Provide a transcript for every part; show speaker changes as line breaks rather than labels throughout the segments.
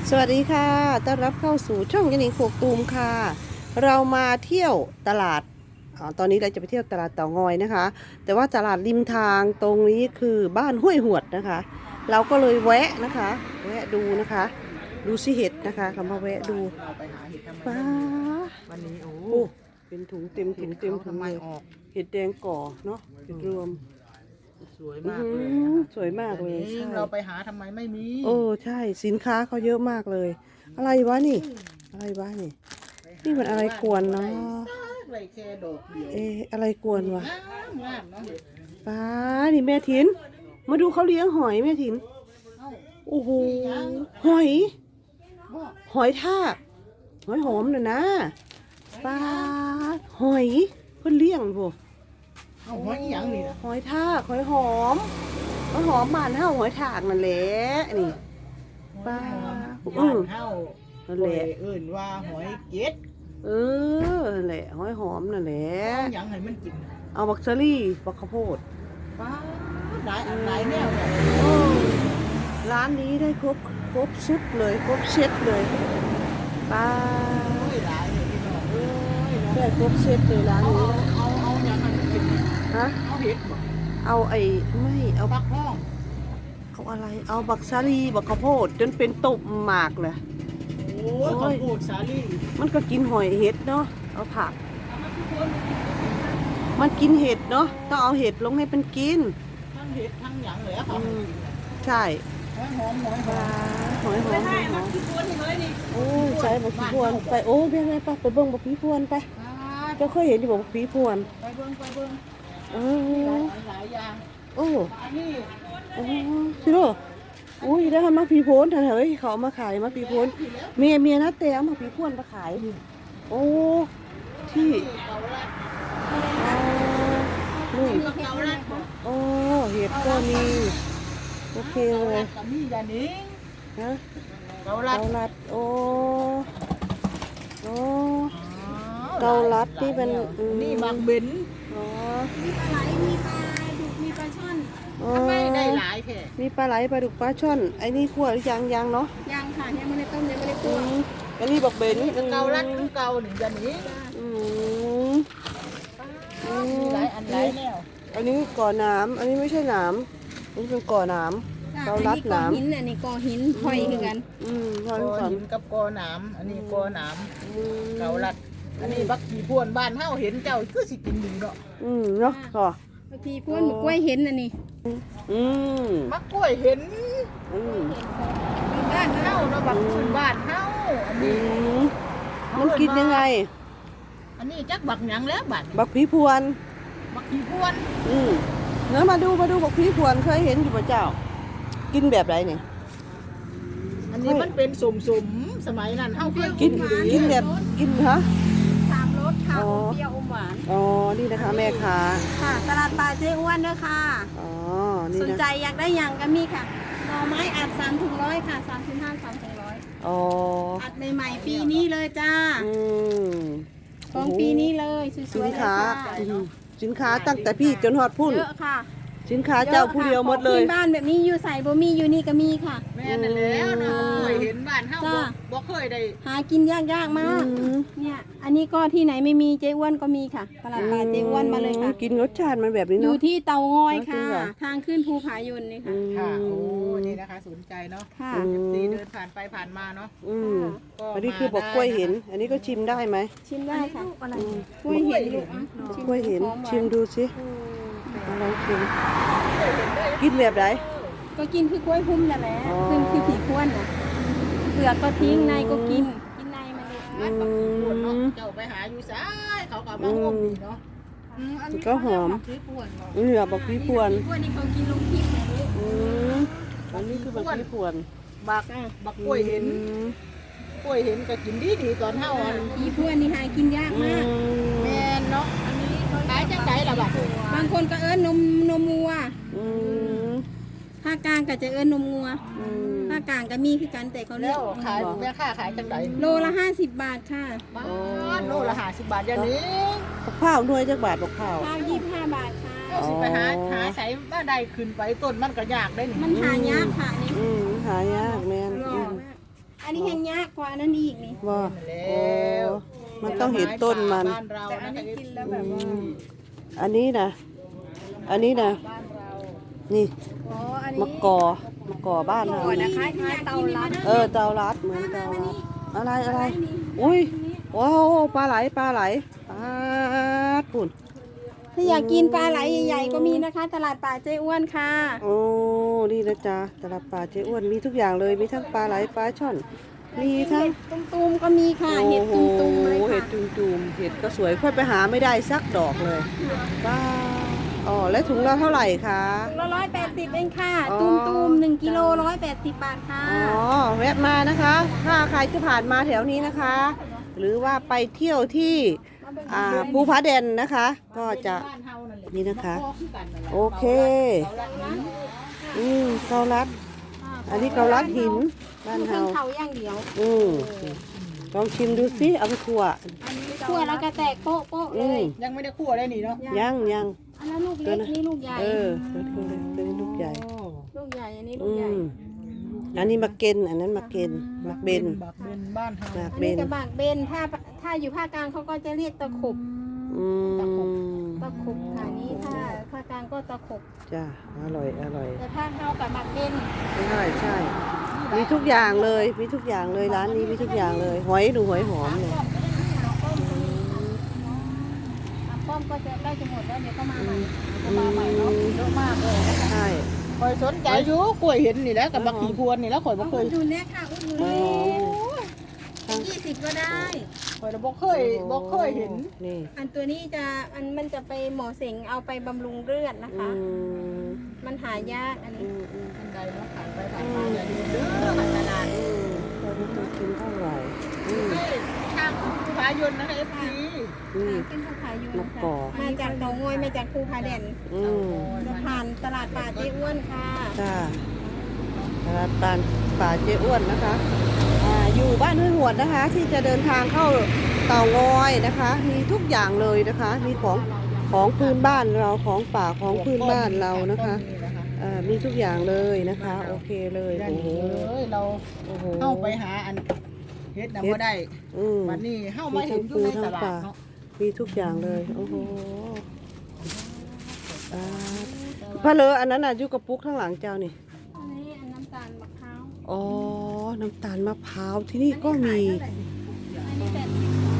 สวัสดีค่ะต้อนรับเข้าสู่ช่องยันนิงโคกตูมค่ะ เรามาเที่ยวตลาดตอนนี้เราจะไปเที่ยวตลาดเต่างอยนะคะ แต่ว่าตลาดริมทางตรงนี้คือบ้านห้วยหวดนะคะ เราก็เลยแวะนะคะ แวะดูนะคะ ดูสิเห็ดนะคะเรามาแวะดู
เราไปหาเห็ดทำไม
ป้า
วันนี้โอ้
โอ้เป็นถุงเต็มถุงเต็มถุ
ทำ
ง
ไม
เลย
ออก
เห็ดแดงก่อเนาะเห็ดรวม
สวยมากเลย
สวยมากเลยใช่
เราไปหาทำไมไม่มี
โอ้ใช่สินค้าเขาเยอะมากเลย อะไรวะนี่ อะไรวะนี่ นี่มันอะไรกวนเนาะ
ไรแค่ดอกเดียว
อะไรกวนวะ
งามงามเนาะ
ป้านี่แม่ถิน มาดูเขาเลี้ยงหอยแม่ถิน
เอ้า
โอ้โหหอย
บ่
หอยทากหอยหอมน่ะนะป้าหอยเพิ่นเลี้ยงพวก
เอาหอยอีหยังนี่นะ
หอยทากหอยหอมหอยหอมบ้านเฮาหอยทากนั่นแหละนี่ ป้า
บ้านเฮา
นั่นแหละ
เอิ่นว่าหอยเก็ด
นั่นแหละหอยหอมนั่นแหละ
เอาหยังให้มันกิน
เอาบักเซอรี่บักข้าวโพด
ป้าหลายอันหลายแนวเนี่ย
ร้านนี้ได้ครบชุดเลยครบเซตเลยป้า
โอ้ยหลายเลยพี่น้องเอ้ยเนาะ
ได้ครบเซตเลยร้าน
เอา
นี้
เอาหยังให้มันกิน
ฮะ
เอาเห็ดบ่
เอาไม่เอา
ปักห้อง
เอาอะไร เอาบักซาลีบักข้าวโพดจนเป็นตุ่มหมากเลย
โอ้ยข้าวโพดสาลี่
มันก็กินหอยเห็ดเนาะเอาผัก มันกินเห็ดเนาะต้องเอาเห็ดลงให้มันกิน
ทั้งเห็ดทั้งหยังเลยอะ
อื
ค่ะ
มใช่
หอยหอมหอยหอ
ปลาม หอยหอมหอยหอม
ขี้พวนเลยนี่
โอ้ยใช่บักผีพวนไปโอ้ยไปไปเบิ่งบักผีพวนไปเจ้าเคยเห็นอยู่บักผีพวน
ไปเบิ่งไปเบิ่ง
เอ
หลายอย่าง
โอ้
อันนี้
โอ้สิโร่อุ้ยได้ทำมาผีโพนเถอะเฮ้ยเขาเอามาขายมาผีโพนเมียนะแต่เอามาผีพวนมาขายโอ้ที่
เกาลัด
นี่
เกาลัด
โอ้เห็ดก็มีโอเคเลย
กับมียานิง
นะ
เกาลัด
เกาลัดโอ้เกาลัดที่เป็นอืม
นี่บางเบน
อ๋อ
มีปลาไหล มีปลาดุกมีปลาช่อน
อ๋อ
ทำไมได้หลายแค่
มีปลาไหลปลาดุกปลาช่อนไอ้นี่ขั่วหรือยังเนาะ
ยังค่ะยังไม่ได้ต้มยังไม่ได้
อื
คั่ว
มอันนี้บอกเบน
เกาลัดคือเกาหนึ่งยานิง
อืม
มีหลายอันหลายแนว
อันนี้ก่อน้ำอันนี้ไม่ใช่น้ำอันนี้เป็นก่อน้ำเกาลัด
กอ
น้ำ
หินอันนี้กอหินพลอยคือกัน
พอย
กอ
ก่อน
หินกับกอหนามอันนี้กอหนาม
อืม
เกาลัด อันนี้บักขี่พวนบ้านเฮาเห็นเจ้าคือสิกินดีเนาะ
เนาะก็
บางทีพวนหมูกล้วยเห็นอันนี้
อืม
มักกล้วยเห็น
อืม
บ้าน
เฮาเนาะบักพื้นบ้านเฮาอัน
อื
นี้
มมันกินยังไง
อันนี้จักบักหยังแล้วบัด
บักผีพวน
บักขี่พวน
เนื้อมาดูบักผีพวนเคยเห็นอยู่ป่ะเจ้า กินแบบไรเนี่ย
อันนี้มันเป็นสมๆสมัยนั้นเฮาเคย
กิน
อยู่ดี
กินแบบกินฮะ
สามรสค่ะ
อ๋อ
อมเปรี้ยวอมหวาน
อ๋อนี่นะคะแม่ค้า
ค่ะ ตลาดปลาเจ๊อ้วนด้วยค่ะ
อ๋อนี่
สน
นะ
ใจอยากได้อย่างก็มีค่ะหน่อไม้อัด3 ถุง 100ค่ะ35 3 ถุง 100
อ๋อ
อัดใหม่ๆปีนี้เลยจ้า
อืม
ของปีนี้เลยส
สิ
วน ยๆเลย
ค้า
ค่ะ
สินค้าตั้งแต่พี่จนฮอดพุ่น
เยอะค่ะ
สินค้าเจ้าผู้เดียวหมดเลย
ของพื้นบ้านแบบนี้อยู่ใส่บ่มีอยู่นี่ก็มีค่ะ
แม่นั่นแล้วเนาะเคยเห็นบ้านเฮา
จ้า
บ่เคยได้
หากินยากมาก
อืม
เนี่ย อันนี้ก็ที่ไหนไม่มีเจ๊อ้วนก็มีค่ะตลาดปลาเจ๊อ้วนมาเลยค่ะ
กินรสชาติมันแบบนี้
อยู่
เนาะ
ที่เตางอยค่ะ
จริงเหรอ
ทางขึ้นภูผายนนี่ค่ะ
ค่ะโอ้นี่นะคะสนใจเนาะ
ค่ะ
ดีเดินผ่านไปผ่านมาเนาะ
อืม
ก็
อันนี้คือบอกกล้วยเห็น อันนี้ก็ชิมได้ไหม
ชิมได้ค่ะ
อืม
กล้วยเห็นลูกอ่ะ
กล้วยเห็น
หอมวา
ชิมดูสิมาลองชิมกินแบบไหน
ก็กินคือกล้วยพุ่มนั่นแหละ
อ๋อ
คือผีพ้วนน่ะเปลือกก็ทิ้งในก็กินในมันเลย
อื
ปวดเนาะ
ม
เจ้าไปหาอยู่ซ้ายเขาก็มาห่มนี่เนาะอันนี้
ก็หอม
เขาเรียกว่าพริกป่วนเนาะ
นี่เหรอบอกพี่พวน
กล้วยนี่เขากินลงทิพย์นะลูก
อืมอันนี้คือบอกพี่พวน
บัก
อ่ะ
บักกล้วยเห็น
อืม
กล้วยเห็นก็กินดีตอนเฮาอัน
ผีพ้วนนี่หากินยาก
อื
มาก
แม่นเนาะอันนี้ขายจังไดล่ะบัด
บางคนก็เอิ้นนมวัว
อืม
ภาคกลางก็จะเอิ้นนมงัว
อืม
ภาคกลางก็มีคือกันแต่เขาเรี
แล้
ยก
วขายแม่ค้าขายจังได
โลละ50 บาทค่ะ
บ้านโลละ50 บาทอย่างนี้
บักพร้าวหน่วยจักบาทบักพร้าว
ข้าว25 บาทค่ะ
เจ้าสิไปหาใช้บ้านใดขึ้นไปต้นมันก็ยากได้นี่
มันหายากค่ะนี่
หายากแม่น
รอ
อืม
มากอันนี้แห้งยากกว่านั้นอีกนี่
ว่า
แล้ว
มันต้องเห็นต้นมัน
บ้านเรา
แต่อัน
นะ
นี้
คะ
กินแล้วแบบว่า
อันนี้นะอันนี้นะ
บ้านเรา
นี่
อ๋ออันนี้
มะกอมะกอบ้านเรา
ก่อนนะคะคล้ายเตาลัด
เตาลัดเหมือนเตาลัดอะไรอุ้ยว้าวปลาไหลปลาปุ่น
ถ้าอยากกินปลาไหลใหญ่ๆก็มีนะคะ ตลาดป่าเจ้อ้วนค่ะ
โอ้นี่นะจ๊ะตลาดป่าเจ๊อ้วนมีทุกอย่างเลยมีทั้งปลาไหลปลาช่อน มีทั้ง
เห็ดตุ้มๆก็มีค่ะเห็ดตุ้มๆเลย
เห็ด
ค่ะ
จุ่มๆเห็ดก็สวยค่อยไปหาไม่ได้สักดอกเลยว้าอ๋อแล้วถุงละเท่าไหร่คะ
ถุงละ180เองค่ะ
อ๋อ
ตุ้มๆ1กิโล180 บาทค่ะ
อ๋อแวะมานะคะ ถ้าใครจะผ่านมาแถวนี้นะคะ หรือว่าไปเที่ยวที่ภูผาแดนนะคะ ก็จะ
บ้านเฮานั่นแหละ
นี่นะคะ
พ่อคือกันนั่นแหละ
โอเค
เกาลัดหิน
เกาลัด อันนี้เกาลัดหินบ้าน
เค
เฮา
รื่องเขาอย่างเดียว
ลองชิมดูสิเอาไปคั่ว
คั่วแล้วก็แตกโป๊ะโป๊ะๆเลย
ยังไม่ได้คั่วได้นี่เนาะ
ยัง
อันนั้นลูกเล็กนี่ลูกใหญ่
ตัวนี้ลูกใหญ่
ลูกใหญ่อันนี้ลู
อื
กใหญ่
มอันนี้มาเกนอันนั้นมาเกนมาเบน
บักเบนบ้านเฮา
มา
อัน
เบ
นี้
น
กระบากเบนถ้าอยู่ภาคกลางเขาก็จะเรียกตะขบ
อืม
ตะขบค่ะนี้ถ้าภาคกลางก็ตะขบ
จ้าอร่อย
แต่ภาคเฮากับบักเบน
ใช่มีทุกอย่างเลยมีทุกอย่างเลยร้านนี้มีทุกอย่างเลยหอยดูหอยหอมเลย
ป้อมก็จะใกล้จะหมดแล้วเดี๋ยวก็มาใหม่
จะมาใหม่เนาะเยอะมากเลยนะคะ
ใช่
คอยสนใจอยู่กล้วยเห็นนี่แหล้วกับบักขี่พวนนี่แล้วข่อยบ่เค
อุ
ย
ดหนุนเนี่ยค่ะอุดหนุน
หอยหอม
20ก็ได้
ข่อยบ่เคยเห็น
นี่
อันตัวนี้จะมันจะไปหมอเสงเอาไปบำรุงเลือดนะคะ มันหายากอันนี้
อันใดเนาะผ่านไปผ่านมาอย่าลืมเด้อผ่านตลาด
ตัวนี้ตัวกินเท่าไหร่
ทางภูผายนนะคะ FC
เป็นผู้ขายอยู่
มะ
นะคะ
กอก
มาจากหนองงอยมาจากภูผาแดน จะผ่านตลาดป่าเจ้อ้วนค่ะ
จ้าตลาดป่าเจ๊อ้วนนะคะอยู่บ้านห้วยหวดนะคะ ที่จะเดินทางเข้าเต่างอยนะคะ มีทุกอย่างเลยนะคะ มีของพื้นบ้านเราของป่าของพื้นบ้านเรานะคะมีทุกอย่างเลยนะคะ โอเคเลย
โอ้
โอ้
โห
โห
เรา
โอ้โห
เข้าไปหาอันเฮ็ดน่ะบ่ได้ วันนี้เข้ามาเห็นอยู่ในตลาดเนาะ
มีทุกอย่างเลยโอ้โหพะเลออันนั้นน่ะอยู่กับปุ๊กข้างหลังเจ้านี่
อันนี้อันน้ำตาลมะพร้าว
อ๋อ น้ำตาลมะพร้าวที่นี่ก็มี
อันนี้80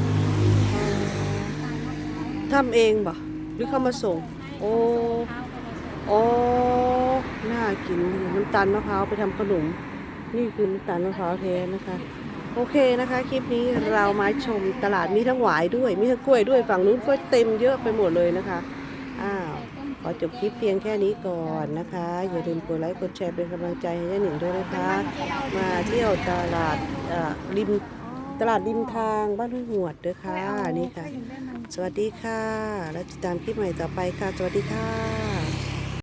ตาลมะพร้าว
ทำเองบ่หรือเขามาส่ง โอ้ โอ้น่ากินดีน้ำตาลมะพร้าวไปทำขนม นี่คือน้ำตาลมะพร้าวแท้นะคะ โอเคนะคะ คลิปนี้เรามาชมตลาดมีทั้งหวายด้วย มีทั้งกล้วยด้วย ฝั่งนู้นก็เต็มเยอะไปหมดเลยนะคะ ขอจบคลิปเพียงแค่นี้ก่อนนะคะ อย่าลืมกดไลค์ กดแชร์เป็นกำลังใจให้ย่าหนิงด้วยนะคะ มาเที่ยวตลาดริมทางบ้านห้วยหวดด้วยค่ะ นี่ค่ะ สวัสดีค่ะ แล้วติดตามคลิปใหม่ต่อไปค่ะ สวัสดีค่ะ